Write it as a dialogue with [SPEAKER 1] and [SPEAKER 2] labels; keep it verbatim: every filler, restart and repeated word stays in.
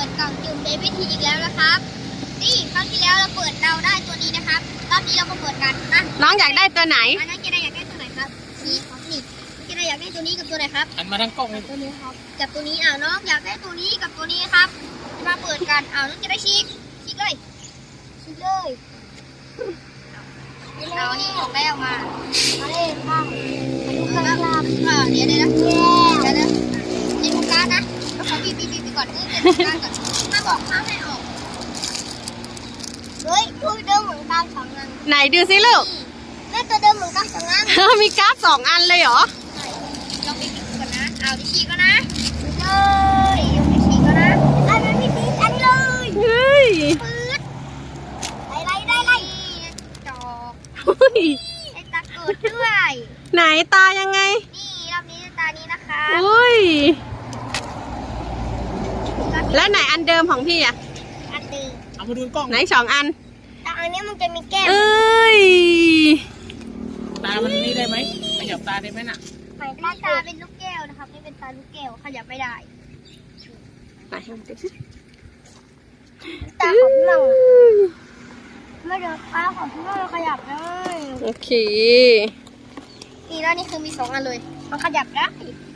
[SPEAKER 1] ปิดกล่องจุ่มเบบี้ทีอีกแล้วนะครับนี่ครั้งที่แล้วเราเปิดเราได้ตัวนี้นะครับรอบนี้เราก็เปิดกันนะ
[SPEAKER 2] น้องอยากได้ตัวไหน
[SPEAKER 1] อันนั้นเจไดอยากได้ตัวไหนครับนี่ครับนี่เจไดอยากได้ตัวนี้กับตัวไหนครับ
[SPEAKER 3] หันมาทางกล้องเลย
[SPEAKER 1] ตัวนี้ครับกับตัวนี้อ้าวน้องอยากได้ตัวนี้กับตัวนี้ครับมาเปิดกันอ้าวน้องจะได้ชีกชีกเลยชีกเลยเอานี่ออกได้ออกมามาเล่นบ้างมาดูกันครับอ่าเดี๋ยวเดี๋ยวนะเดี๋ยวเดี๋ยวเดี๋ยวดูการนะเขาบีบบีบบีบก่อนเออเดี๋ยวดูการก่อนถ้าบอกห้ามให้ออกเฮ้ยตัวเดิมเหมือนกันสองอัน
[SPEAKER 2] ไหนดูสิลูก
[SPEAKER 1] แม่ตัวเดิมเหมือนกันสองอัน
[SPEAKER 2] มีการ์ดสองอันเลยเหรอ
[SPEAKER 1] ลองไปดูก่อนนะเอาดิชีก็นะเลยยกดิชีก็นะอันนั้นมีสีอันเลย
[SPEAKER 2] เฮ้ย
[SPEAKER 1] ปื๊ดไล่ไล่ไล่ไล่จอก
[SPEAKER 2] เฮ้ย
[SPEAKER 1] ไอ้ตาเกิดด้วย
[SPEAKER 2] ไหนตายังไง
[SPEAKER 1] นี่รอบนี้ตานี้นะคะ
[SPEAKER 2] อุ้ยแล้วไหนอันเดิมของพี่อะ
[SPEAKER 1] อันดึง
[SPEAKER 3] เอามาดูกล้อง
[SPEAKER 2] ไหนสองอัน
[SPEAKER 1] แต่อันนี้มันจะมีแก้ม
[SPEAKER 2] เอ้ย
[SPEAKER 3] ตามันนี่ได้ไหมขยับตาได้ไหมน่ะ
[SPEAKER 1] หมายตาตาเป็นลูกแก้วนะครับนี่เป็นตาลูกแก้วขยับไม่ได้
[SPEAKER 2] ไหนลองดูสิ
[SPEAKER 1] ตาของเราไม่เดี๋ยวตาของเราขยับได้
[SPEAKER 2] โอเค
[SPEAKER 1] นี่แล้วนี่คือมีสองอันเลยมันขยับได้